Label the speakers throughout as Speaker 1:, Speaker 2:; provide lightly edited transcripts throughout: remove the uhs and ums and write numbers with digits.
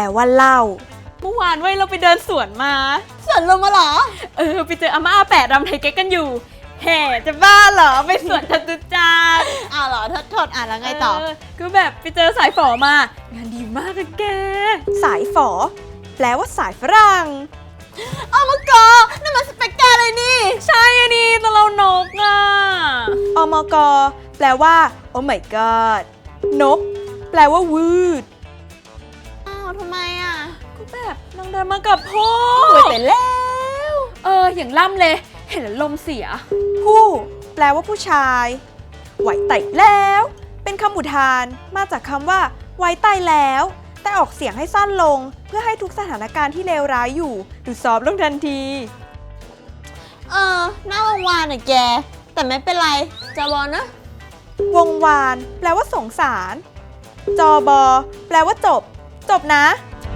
Speaker 1: ว่าเหล้า
Speaker 2: เมื่อวานเราไปเดินสวนมา
Speaker 3: สวนลมมาเหรอ
Speaker 2: ไปเจออาม่าอาแปะรำไทยเก๊กกันอยู่แห่จะบ้าเหรอไปสวนจตุจักร
Speaker 3: เหรอโทษแล้วไงต่อ
Speaker 2: ก็แบบไปเจอสายฝอมางานดีมากอะแก
Speaker 1: สายฝอแปลว่าสายฝรั่ง
Speaker 3: มกนั่นมันสเปกเตอร์เลยนี่
Speaker 2: ใช่อันนี้ตะเรานก
Speaker 1: อมกแปลว่า oh my god นกแปลว่าวืด
Speaker 3: ทำไม
Speaker 2: ก็แบบนางเดินมากับพ่อ
Speaker 1: ไปแล้ว
Speaker 2: อย่างล่ำเลยเห็นแล้วลมเสีย
Speaker 1: ผู้แปลว่าผู้ชายไหวไต่แล้วเป็นคำอุทานมาจากคำว่าไว้ไต่แล้วแต่ออกเสียงให้สั้นลงเพื่อให้ทุกสถานการณ์ที่เลวร้ายอยู่ดูซอฟต์ลงทันที
Speaker 3: หน้าวงวานแกแต่ไม่เป็นไรจบนะ
Speaker 1: วงวานแปลว่าสงสารจบแปลว่าจบนะ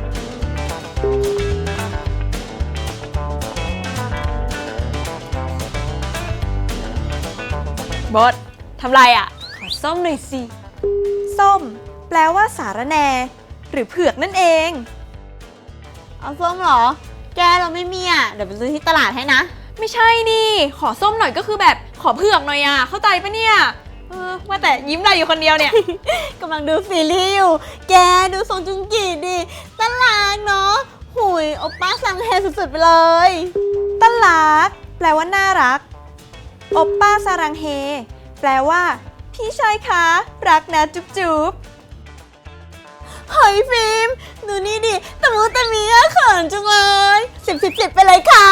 Speaker 2: บอสทำไรขอส้มหน่อยสิ
Speaker 1: ส้มแปลว่าสาระแหน่หรือเผือกนั่นเอง
Speaker 3: เอาส้มเหรอแกเราไม่มีเดี๋ยวไปซื้อที่ตลาดให้นะ
Speaker 2: ไม่ใช่นี่ขอส้มหน่อยก็คือแบบขอเผือกหน่อยเข้าใจปะเนี่ยว่าแต่ยิ้มได้อยู่คนเดียวเนี่ย
Speaker 3: กำลังดูซีรีส์อยู่แกดูทรงจุงกีดิตลาดเนาะหุยโอป้าสังเฮสุดๆไปเลย
Speaker 1: ตลาดแปลว่าน่ารักโอป้าซารังเฮแปลว่าพี่ชายคะรักนะจุ๊บ
Speaker 3: เฮ้ยฟิล์มดูนี่ดิตะมูตะมีเขินจังเลย10 ไปเลยค่ะ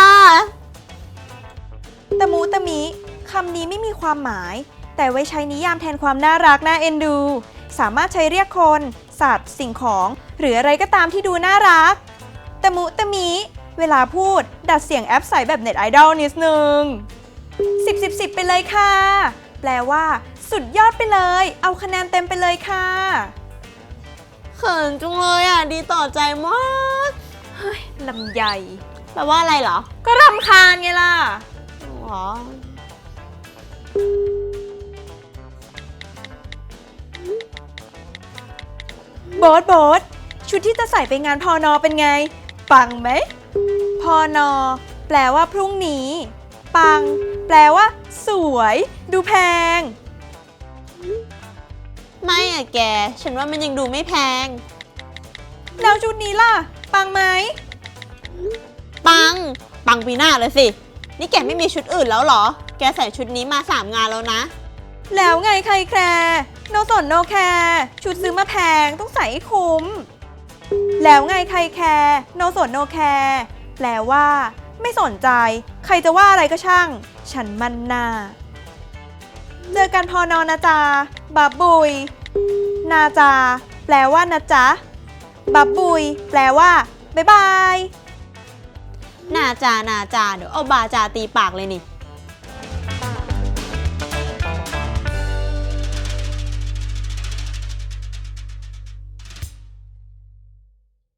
Speaker 1: ตะมูตะมิคำนี้ไม่มีความหมายแต่ไว้ใช้นิยามแทนความน่ารักน่าเอ็นดูสามารถใช้เรียกคนสัตว์สิ่งของหรืออะไรก็ตามที่ดูน่ารักตะมูตะมิเวลาพูดดัดเสียงแอปใสแบบเน็ตไอดอลนิดนึง10 ไปเลยค่ะแปลว่าสุดยอดไปเลยเอาคะแนนเต็มไปเลยค่ะ
Speaker 3: เขินจังเลยดีต่อใจมาก
Speaker 1: เฮ้ยลำใหญ่
Speaker 3: แปลว่าอะไรเหรอ
Speaker 2: ก็รำคาญไงล่ะ
Speaker 1: โบ๊ทชุดที่จะใส่ไปงานพน.เป็นไงปังไหมพน.แปลว่าพรุ่งนี้ปังแปลว่าสวยดูแพง
Speaker 3: ไม่แกฉันว่ามันยังดูไม่แพง
Speaker 1: แล้วชุดนี้ล่ะปังไหม
Speaker 3: ปังปีหน้าเลยสินี่แกไม่มีชุดอื่นแล้วเหรอแกใส่ชุดนี้มา3 งานแล้วนะ
Speaker 1: แล้วไงใครแคร์โนสนโนแคร์ชุดซื้อมาแพงต้องใส่ให้คุ้มแล้วไงใครแคร์โนสนโนแคร์แปลว่าไม่สนใจใครจะว่าอะไรก็ช่างฉันมันหน้าเจอกันพอนอนะจาบับบุยนาจาแปลว่านะจ๊ะบับบุยแปลว่าบ๊ายบาย
Speaker 3: นาจาเดี๋ยวเอาบาจาตีปากเลยนี่